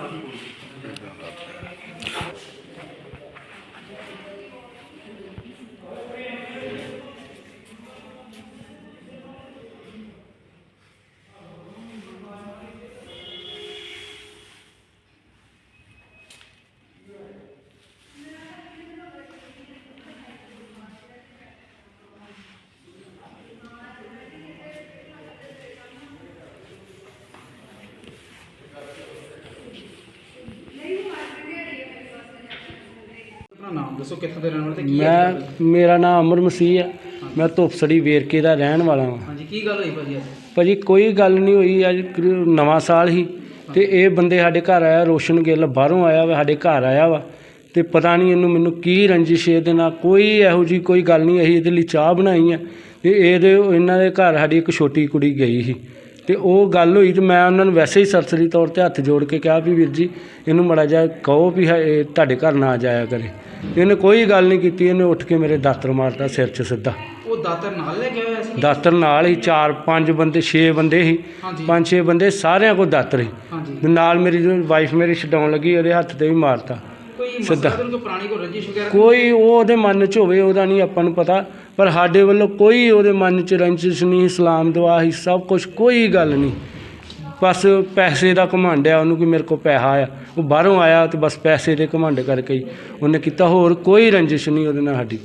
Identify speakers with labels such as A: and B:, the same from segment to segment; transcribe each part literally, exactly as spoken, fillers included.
A: नाम दसो कित्थों दे रहने वाले ते की
B: मैं मेरा नाम अमर मसीह है। मैं धुपसड़ी वेरके का रहन वाला हाँ।
A: हाँ जी की गल हुई भाजी?
B: भाजी कोई गल नहीं हुई। अज नवां साल ही ते ये बंदे साडे घर आया, रोशन गिल बाहरों आया वा, साडे घर आया वा ते पता नहीं इन्हू मैनू की रंजिश इहदे नाल कोई इहो जी कोई गल नहीं। असीं इहदे लई चाह बनाई है ते इहदे इन्हां दे घर साडी एक छोटी कुड़ी गई ही ते ओह गल हुई ते मैं उन्हां नूं वैसे ही सरसरी तौर ते हत्थ जोड़ के कहा भी वीर जी इहनूं माड़ा जिहा कहो भी तुहाडे घर ना जाया करे। इन्हें कोई गल नहीं की। इन्हें उठ के मेरे दातर मारता सिर च सीधा।
A: वो दातर नाल ले गया सी? दातर
B: नाल ही चार पांच बंदे छे बंदे ही, पांच छे बंदे सारिਆਂ को दातर ही। नाल मेरी जो वाइफ मेरी छडाउण लगी ਉਹਦੇ हत्थ ते भी मारता सीधा। कोई ਉਹਦੇ मन च ਹੋਵੇ ਉਹਦਾ नहीं आपां नूं पता, पर साडे ਵੱਲੋਂ कोई ਉਹਦੇ मन च रंजिश नहीं, इस्लाम दुआ ही सब कुछ कोई गल नहीं। बस पैसे का घमंड है उन्होंने कि मेरे को पैसा आया, वो बाहरों आया तो बस पैसे के घमंड करके ही उन्हें किया। होर कोई रंजिश नहीं वो साड़ी।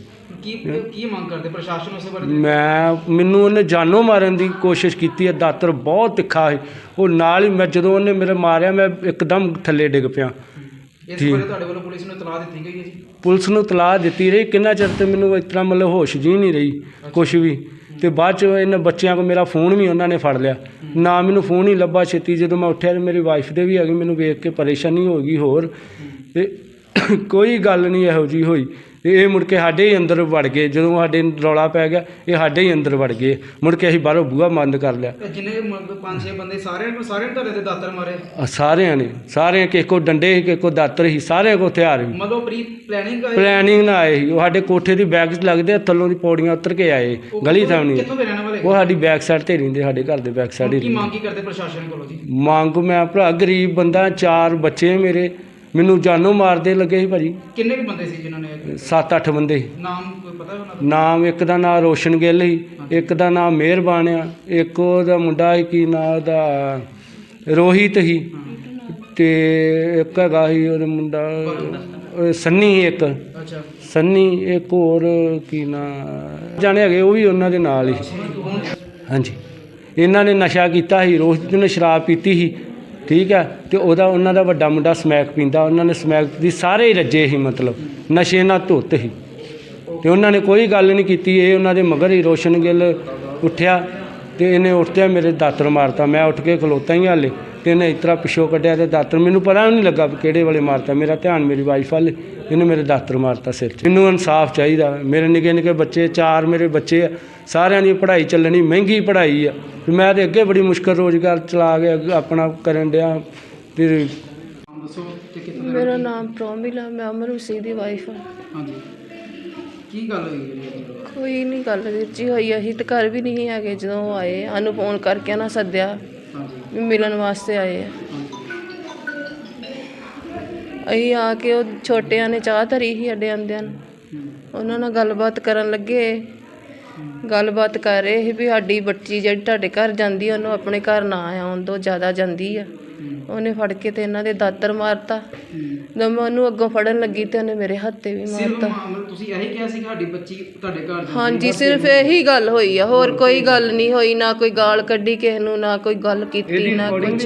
B: मैं मैनू उन्हें जानों मारन की कोशिश की है। दातर बहुत तिखा है वो नाल ही मैं जो उन्हें मेरे मारिया मैं एकदम थले डिग पिया। पुलिस नूं तलाह दी रही किन्ना चिर तो मैनू इतना मतलब होश जी नहीं रही कुछ भी। तो बाद च इन्हें बच्चों को मेरा फोन भी उन्होंने फड़ लिया ना, मैनू फोन ही लभा छेती। जो मैं उठा तो मेरी वाइफ दे भी आ गई, मैनू वेख के परेशानी हो गई। होर कोई गल नहीं इहो जी होई। ये मुड़ के साडे ही अंदर वड़ गए जो साडे रौला पै गया, ये साडे ही अंदर वड़ गए। मुड़ के असीं बाहरों बूहा बंद कर लिया। सारिਆਂ ने सारे किसी को डंडे ही किसी को दातर ही सारे को हथियार ही। प्लैनिंग ना आए ही। वो साडे कोठे की बैक लगते थल्लों की पौड़ियां उतर के आए गली सामने। वो साडी बैक साइड ते रहिंदे, साडे घर दे बैक साइड ही। मंग मैं भरा गरीब बंदा, चार बच्चे मेरे, मैनू जानों मारदे लगे ही भाजी।
A: किन्ने बंदे सी जिन्होंने?
B: सत्त अठ बंदे।
A: नाम कोई पता है?
B: नाम एक दा नाम रोशन गिल ही, एक दा नाम मेहरबान आ, एक ओहदा मुंडा ही की नाम ओहदा रोहित ही, ते एक हैगा ही ओहदा मुंडा सन्नी ही एक सन्नी, एक होर की नाम जाने हैगे वो भी उन्हां दे नाल ही। हाँ जी इन्हां ने नशा कीता ही, रोहित ने शराब पीती ही ठीक है। तो वह उन्हों का वड्डा मुंडा समैक पींदा, उन्होंने समैक की सारे ही रजे ही मतलब नशे नाल धुत ही। तो उन्होंने कोई गल नहीं की। ये उन्होंने मगर ही रोशन गिल उठ्या तो इन्हें उठते मेरे दातर मारता। मैं उठ के खलोता ही हाले तो इन्हें इतना पिछों कढ़िया तो दातर मैनू पता नहीं लगा किहड़े वाले मारता। मेरा ध्यान मेरी वाइफ वाले, इन्हें मेरे दातर मारता सिर च। मैनू इंसाफ चाहिए। मेरे निके निके बच्चे चार मेरे बच्चे सारिਆਂ ਦੀ पढ़ाई चलनी, महंगी पढ़ाई है। मैं तो अगे बड़ी मुश्किल रोज़गार चला के अपना करन दिया।
C: मेरा नाम प्रोमिल है, मैं अमर मसीह की वाइफ हाँ। कोई नहीं गल वीर जी हुई। असीं तो घर भी नहीं है जो आए, सानू फोन करके ना सद्या मिलन वास्ते आए। असीं आके वो छोटिया ने चाह धरी ही साडे आंदियां, उन्हां नाल गलबात करन लगे। गलबात कर रहे ही भी साडी बच्ची जिहड़ी तुहाडे घर जांदी है उन्होंने अपने घर ना आउण दो, ज़्यादा जांदी है। उन्हें फड़ के तो इन्हां दे दातर मारता। जब मैं उन्होंने अगों फड़न लगी तो उन्हें मेरे हत्थ भी मारता। हाँ जी सिर्फ यही गल हुई है, होर कोई गल नहीं हुई। ना कोई गाल कड्ढी किसी नूं, ना कोई गल कीती, ना कुछ।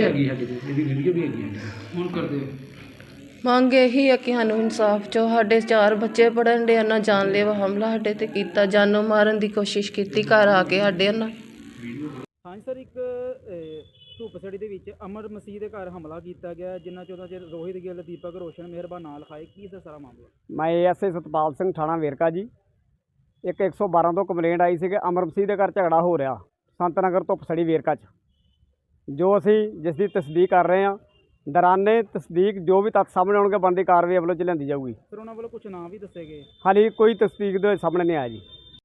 C: मंग यही है कि सानू इंसाफ चो। साढ़े चार बच्चे पढ़न डे, ना जानलेवा हमला साढ़े ते कीता, जानों मारन की कोशिश की घर आके साढ़े ना।
A: हाँ सर, एक धुपसड़ी ਦੇ ਵਿੱਚ ਅਮਰ ਮਸੀਹ ਦੇ ਘਰ ਹਮਲਾ ਕੀਤਾ ਗਿਆ ਜਿਨ੍ਹਾਂ ਚੋਂ ਚ ਰੋਹਿਤ ਗਿੱਲ, ਦੀਪਕ ਰੋਸ਼ਨ, ਮਿਹਰਬਾਨ ਨਾਲ ਖਾਏ। ਕੀ ਸਰ ਸਾਰਾ ਮਾਮਲਾ?
D: मैं एस आई सतपाल सिंह थाना वेरका जी। एक एक सौ बारह तो कंप्लेंट आई सी कि अमर मसीह के घर झगड़ा हो रहा संत नगर धुपसड़ी वेरका च, जो असी जिसकी तस्दीक कर रहे हैं। दौराने तस्दीक जो भी तत्थ सामने आउणगे बनदी कार्रवाई अवलों च लिआंदी जाऊगी।
A: सर उन्होंने वालों कुछ नाम भी दसे गए?
D: हाली कोई तस्दीक दे सामने नहीं आया जी।